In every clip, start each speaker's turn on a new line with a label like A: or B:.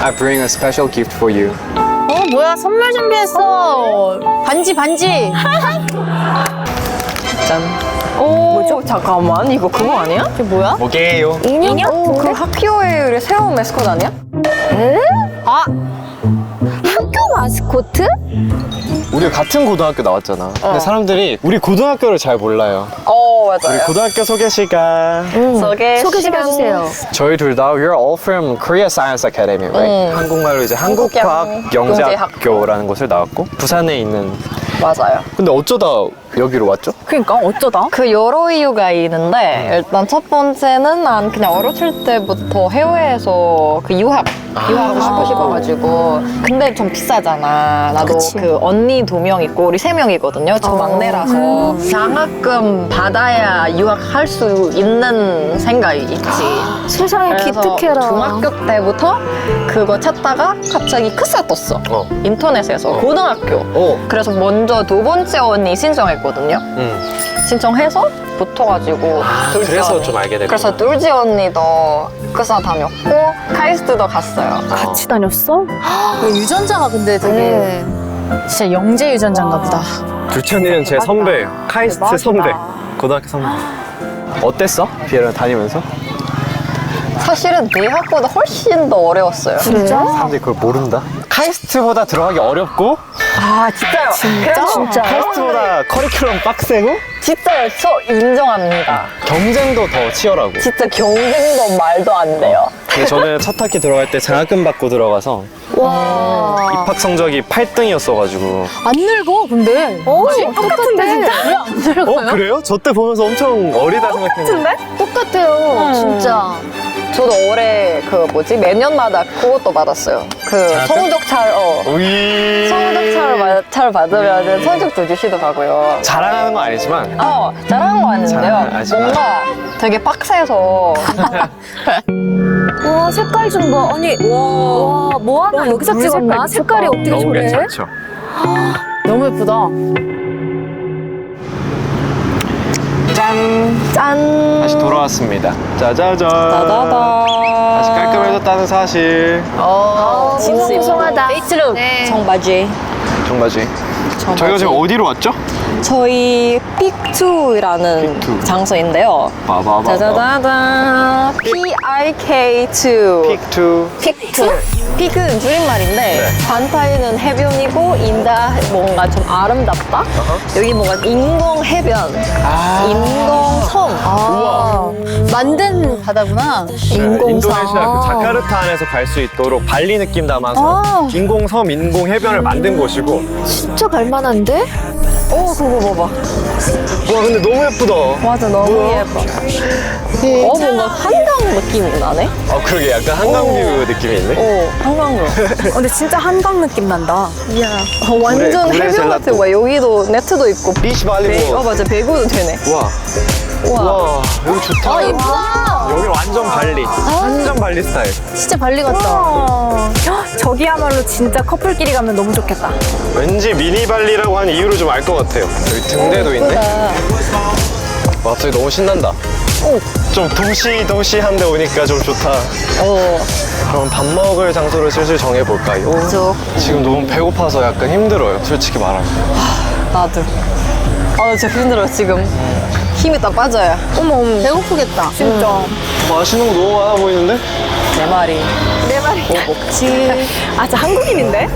A: I bring a special gift for you.
B: 뭐야, 선물 준비했어. 반지.
A: 짠.
C: 뭐죠? 잠깐만, 이거 그거 아니야?
B: 이게 뭐야?
A: 뭐게요?
C: 인형? 그 학교의 우리 새로운 메스컷 아니야?
B: 아,
D: 학교 마스코트?
A: 우리 같은 고등학교 나왔잖아. 근데 사람들이 우리 고등학교를 잘 몰라요. 우리
C: 맞아요.
A: 고등학교 소개 시간.
C: 소개
D: 좀 해주세요.
A: 저희 둘 다 we're all from Korea Science Academy, right? 한국말로 이제 한국과학 영재학교라는 곳을 나왔고 부산에 있는.
C: 맞아요.
A: 근데 어쩌다 여기로 왔죠?
B: 그러니까 어쩌다?
C: 그 여러 이유가 있는데 일단 첫 번째는 난 그냥 어렸을 때부터 해외에서 그 유학하고 싶어가지고 근데 좀 비싸잖아. 나도
D: 그치.
C: 그 언니 2명 있고 우리 3명이거든요. 저 막내라서 장학금 받아야 유학할 수 있는 생각이 있지.
D: 세상에
C: 그래서
D: 기특해라.
C: 중학교 때부터 그거 찾다가 갑자기 크사 떴어. 인터넷에서 고등학교. 그래서 먼저 2번째 언니 신청했거든요. 신청해서 붙어가지고 둘째
A: 그래서
C: 언니.
A: 좀 알게 됐구나.
C: 그래서 둘째 언니도 크사 다녔고 카이스트도 갔어요.
D: 같이 다녔어?
B: 유전자가 근데 되게 진짜 영재 유전자인가 보다.
A: 둘째 언니는 제 선배예요. 카이스트 선배. 고등학교 선배. 어땠어? 비에랑 다니면서?
C: 사실은 대학보다 훨씬 더 어려웠어요.
D: 진짜?
A: 사람들이 그걸 모른다? 카이스트보다 들어가기 어렵고
C: 아 진짜요? 진짜?
D: 진짜?
A: 카이스트보다 커리큘럼 빡세고
C: 진짜요. 저 인정합니다.
A: 경쟁도 더 치열하고.
C: 진짜 경쟁도 말도 안 돼요.
A: 근데 저는 첫 학기 들어갈 때 장학금 받고 들어가서
D: 와.
A: 입학 성적이 8등이었어가지고.
B: 안 늙어, 근데.
D: 똑같은데 진짜?
B: 왜 안 늙어요?
A: 그래요? 저 때 보면서 엄청 어리다 생각했는데.
D: 똑같아요. 진짜.
C: 저도 올해 그 뭐지 매년마다 그것도 받았어요. 그
A: 장학금?
C: 성적잘
A: 우이.
C: 성적잘 받으면 성적도 주시더라고요.
A: 자랑하는 건 아니지만
C: 잘하는 거 아닌데요.
A: 잘하지만.
C: 뭔가 되게 빡세서
D: 와, 색깔 좀 봐. 아니, 와, 뭐 하나 여기서 찍었나? 색깔이 어떻게
A: 너무
D: 저래?
A: 괜찮죠?
B: 너무 예쁘다.
A: 짠!
D: 짠.
A: 다시 돌아왔습니다. 짜자잔.
C: 다다다.
A: 다시 깔끔해졌다는 사실.
C: 진짜
D: 풍성하다.
C: 페이스룩 청바지.
A: 정바지. 저희가 지금 어디로 왔죠?
C: 저희 픽2라는
A: 픽2.
C: 장소인데요.
A: 봐봐봐.
C: 짜자자잔. PIK2.
A: 픽2.
C: 픽2. 픽은 줄임말인데 반타이는 해변이고 인다 뭔가 좀 아름답다. 여기 뭔가 인공 해변, 인공 섬.
B: 아, 만든 바다구나.
A: 인도네시아 그 자카르타 안에서 갈 수 있도록 발리 느낌 담아서 인공섬, 인공 해변을 만든 곳이고.
D: 진짜 갈만한데?
C: 그거 봐봐.
A: 와 근데 너무 예쁘다.
C: 맞아, 너무 예뻐. 뭔가 한강 느낌이 나네.
A: 그러게 약간 한강뷰 느낌이 있네.
C: 한강으로.
B: 근데 진짜 한강 느낌 난다.
C: 완전
A: 구레
C: 해변 같아.
A: 젤라또.
C: 와, 여기도 네트도 있고.
A: 비치 발리볼.
C: 맞아, 배구도 되네.
A: 와. 와 여기 좋다.
B: 예쁘다.
A: 여기 완전 발리. 완전 발리 스타일.
B: 진짜 발리 같다. 저기야말로 진짜 커플끼리 가면 너무 좋겠다.
A: 왠지 미니 발리라고 하는 이유를 좀 알 것 같아요. 여기 등대도 있네. 와 갑자기 너무 신난다. 좀 도시한데 오니까 좀 좋다. 그럼 밥 먹을 장소를 슬슬 정해볼까요? 지금 너무 배고파서 약간 힘들어요. 솔직히 말하면.
C: 나도. 나 진짜 힘들어, 지금. 힘이 딱 빠져요.
B: 어머, 배고프겠다. 진짜.
A: 맛있는 거 너무 많아 보이는데?
C: 내 말이.
B: 뭐 먹지? 아, 저 한국인인데?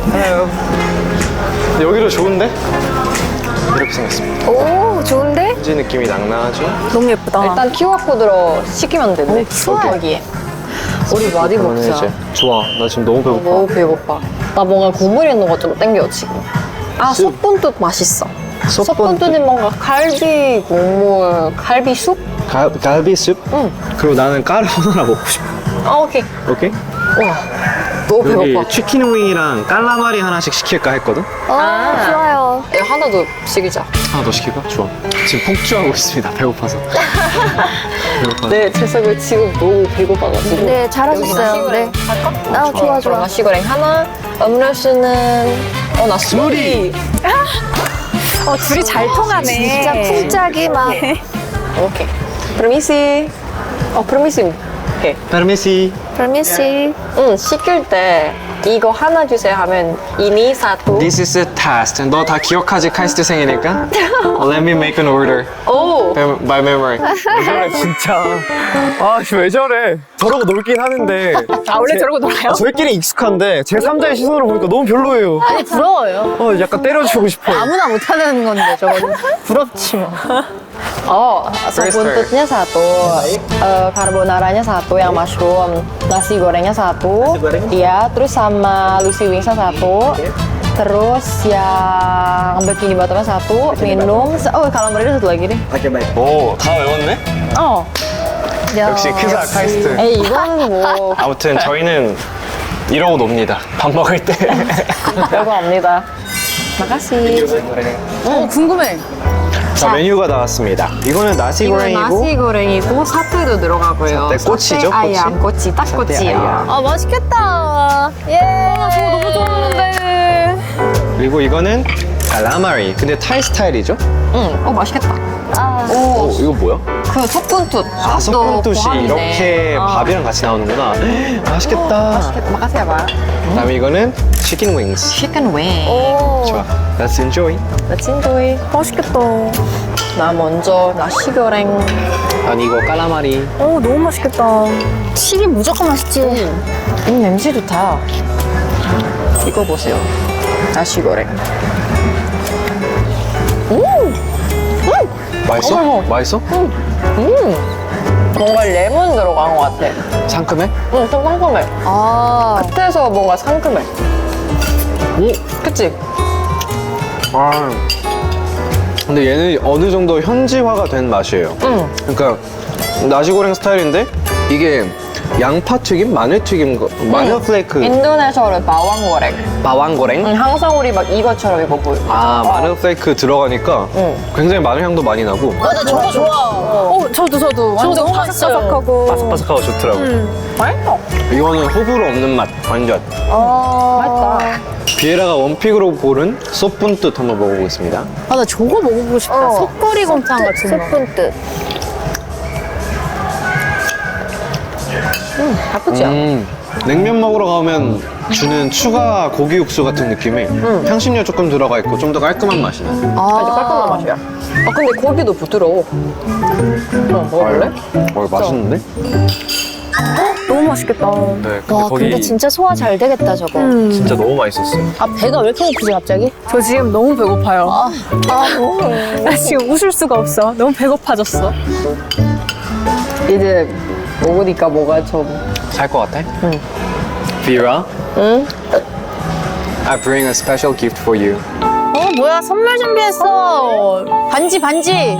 A: 근데 여기도 좋은데? 이렇게 생겼습니다.
D: 오, 좋은데?
A: 현지 느낌이 낭낭하죠?
B: 너무 예쁘다.
C: 일단 QR코드로 시키면 된대. 여기에. 우리 많이
A: 그러면
C: 먹자.
A: 이제 좋아. 나 지금 너무 배고파.
C: 너무 배고파. 나 뭔가 국물 있는 거 좀 땡겨, 지금. 솥분도 맛있어. 솥분도는 뭔가 갈비 국물, 갈비 숲?
A: 갈비숲? 응. 그리고 나는 까르보나라 먹고 싶어.
C: 오케이.
A: 오케이?
C: 와, 너무
A: 여기
C: 배고파.
A: 치킨 윙이랑 깔라마리 하나씩 시킬까 했거든?
D: 좋아요.
C: 하나 더 시키자.
A: 하나 더 시킬까? 좋아. 지금 폭주하고 있습니다. 배고파서. 배고파서.
C: 네, 재석이 지금 너무 배고파가지고.
D: 네, 잘하셨어요. 네. 아, 좋아, 좋아.
C: 나시고랭 하나, 음료수는 나 스무디.
B: 둘이 잘 통하네.
D: 진짜 쿵짝이 막.
C: 오케이. 프미시. 프미시. 오케이.
A: 페르미시.
D: permisi.
C: 응, 시킬 때 이거 하나 주세요 하면 이니 사또.
A: This is a test. 너 다 기억하지? 카이스트 생이니까. Let me make an order.
C: 오.
A: By memory. 왜 저래 진짜. 아, 왜 저래. 저러고 놀긴 하는데.
B: 아, 원래 저러고 놀아요?
A: 저희끼리 익숙한데 제 3자의 시선으로 보니까 너무 별로예요.
D: 아니 부러워요.
A: 약간 때려주고 싶어요.
D: 아무나 못하는 건데 저거는 부럽지 뭐.
C: Oh, sop buntutnya satu, carbonaranya satu yang mushroom, nasi gorengnya satu, iya, terus sama Lucy Wingsnya satu, terus yang bikini bottomnya satu, minum, calamari satu lagi deh.
A: 오, 다 외웠네?
C: Oh,
A: 역시 크사 카이스트.
C: eh 이거는 뭐
A: 아무튼 저희는 이러고 놉니다. 밥 먹을 때.
C: 별거 없니다. Makasih.
D: 궁금해.
A: 자, 메뉴가 나왔습니다. 이거는 나시
C: 이거는
A: 고랭이고
C: 나시 고랭이고 사태도 들어가고요.
A: 사태 꼬치죠, 꼬치?
C: 아얌, 꼬치, 딱 꼬치야.
A: 아얌.
D: 아 맛있겠다. 예. 저거 너무 좋아하는데.
A: 그리고 이거는 칼라마리. 근데 타이 스타일이죠?
C: 응, 맛있겠다.
A: 오, 이거 뭐야?
C: 그 속분투.
A: 아, 소금두시 이렇게 밥이랑 같이 나오는구나. 맛있겠다.
C: Makasih ya, Pak.
A: 그다음에 이거는 치킨 윙스.
C: Chicken wing.
A: 좋아. Let's enjoy.
C: Let's enjoy.
B: 맛있겠다.
C: 나 먼저 나시 고랭.
A: 난 이거 깔라마리.
B: 너무 맛있겠다.
D: 튀김 무조건 맛있지.
C: 냄새 좋다. 이거 보세요. 나시 고랭.
A: 맛있어?
C: 어머.
A: 맛있어?
C: 뭔가 레몬 들어간 것 같아.
A: 상큼해?
C: 응, 좀 상큼해.
D: 아.
C: 끝에서 뭔가 상큼해.
A: 오.
C: 그치?
A: 아. 근데 얘는 어느 정도 현지화가 된 맛이에요.
C: 응.
A: 그러니까 나시고랭 스타일인데 이게 양파 튀김, 마늘 튀김, 마늘 플레이크,
C: 인도네시아로 바왕고랭.
A: 바왕고랭.
C: 응, 항상 우리 막 이것처럼 이거 보여.
A: 아, 마늘 플레이크 들어가니까
C: 응.
A: 굉장히 마늘 향도 많이 나고
D: 나 저거 좋아.
B: 저도 완전
D: 너무 맛있어요.
B: 바삭바삭하고.
A: 바삭바삭하고 좋더라고.
C: 맛있어.
A: 이거는 호불호 없는 맛, 완전.
C: 맛있다.
A: 비에라가 원픽으로 고른 소분뜻 한번 먹어보겠습니다.
D: 아 나 저거 먹어보고 싶다. 속꼬리 곰탕 같은 거.
C: 스푼뜻. 나쁘지 않아.
A: 냉면 먹으러 가면 주는 추가 고기 육수 같은 느낌이 향신료 조금 들어가 있고 좀 더 깔끔한 맛이 나.
C: 아주 깔끔한 맛이야. 아, 근데 고기도 부드러워. 먹을래?
A: 맛있는데?
B: 너무 맛있겠다.
A: 네, 근데
D: 와
A: 거기
D: 근데 진짜 소화 잘 되겠다 저거.
A: 진짜 너무 맛있었어요.
D: 아 배가 왜 이렇게 고프지 갑자기?
B: 저 지금 너무 배고파요. 나 지금 웃을 수가 없어. 너무 배고파졌어.
C: 이제 먹으니까 뭐가 좀.
A: 살 것 같아? 응. Vera,
C: 응?
A: I bring a special gift for you.
D: 뭐야 선물 준비했어. 반지 반지.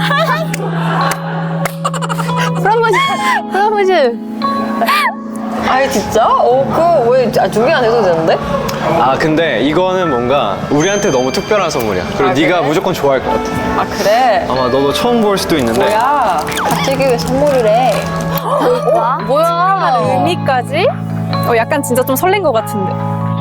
D: 프로포즈.
C: 아니, 진짜? 왜 준비 안 해도 되는데?
A: 아, 근데 이거는 뭔가 우리한테 너무 특별한 선물이야. 그리고
C: 아,
A: 네가
C: 그래?
A: 무조건 좋아할 것 같아.
C: 아, 그래?
A: 아마 너도 처음 볼 수도 있는데.
C: 뭐야? 갑자기 왜 선물이래?
D: 뭐야?
B: 의미까지? 약간 진짜 좀 설렌 것 같은데.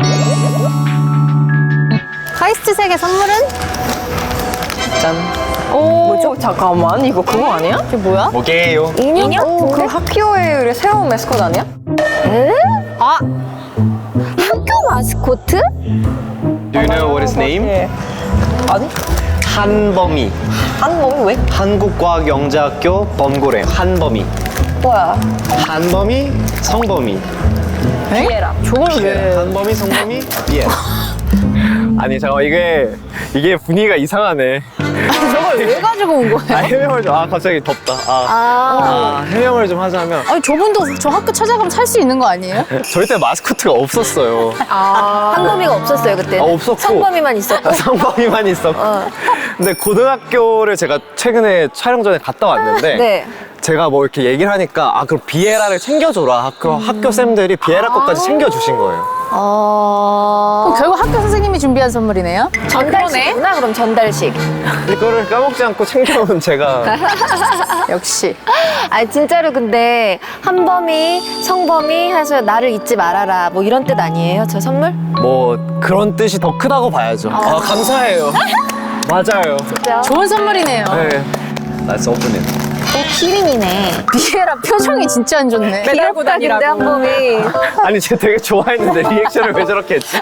D: 카이스트 색의 선물은?
C: 짠. 뭐죠? 잠깐만, 이거 그거 아니야?
D: 이게 뭐야?
A: 뭐게요?
C: 인형? 그 학교의 우리 새로운 메스컷 아니야?
D: 아 학교 마스코트?
A: Do you know what his name?
C: 아니?
A: 한범이.
C: 한몸이 왜?
A: 한국과학영재학교 범고래 한범이.
C: 뭐야?
A: 한범이, 성범이.
C: 비에라.
D: 저걸 왜?
A: 한범이, 성범이, 예. 아니 잠깐 이게 분위기가 이상하네.
D: 저걸 왜 가지고 온 거예요?
A: 해명을 좀 갑자기 덥다. 해명을 좀 하자면
D: 아니 저분도 저 학교 찾아가면 살 수 있는 거 아니에요?
A: 저희 때 마스코트가 없었어요.
D: 한범이가 없었어요 그때.
A: 없었고
D: 성범이만 있었고.
A: 성범이만 있었고. 근데 고등학교를 제가 최근에 촬영 전에 갔다 왔는데
D: 네.
A: 제가 뭐 이렇게 얘기를 하니까 그럼 비에라를 챙겨줘라. 학교 쌤들이 비에라 것까지 챙겨주신 거예요.
D: 그럼 결국 학교 선생님이 준비한 선물이네요? 전달식이구나 그럼 전달식.
A: 이거를 까먹지 않고 챙겨온 제가
D: 역시. 아 진짜로 근데 한범이 성범이 해서 나를 잊지 말아라 뭐 이런 뜻 아니에요 저 선물?
A: 뭐 그런 뜻이 더 크다고 봐야죠. 감사해요. 맞아요.
D: 좋은 선물이네요.
A: 네. Let's open it.
D: 키링이네.
B: 비에라 표정이 진짜 안 좋네. 매달고
D: 귀엽다, 근데
B: 다니라고.
D: 한범이.
A: 아니 쟤 되게 좋아했는데 리액션을 왜 저렇게 했지?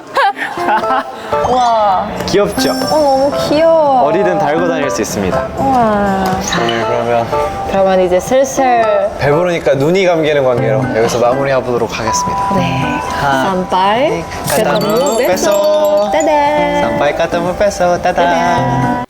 C: 와,
A: 귀엽죠?
C: 너무 귀여워.
A: 어디든 달고 다닐 수 있습니다.
C: 와.
A: 오늘 그러면
C: 그러면 이제 슬슬
A: 배부르니까 눈이 감기는 관계로 여기서 마무리해보도록 하겠습니다.
C: 네. Sampai ketemu
A: ketemu
C: besok.
A: besok.
C: Dadah.
A: Sampai ketemu besok. Dadah.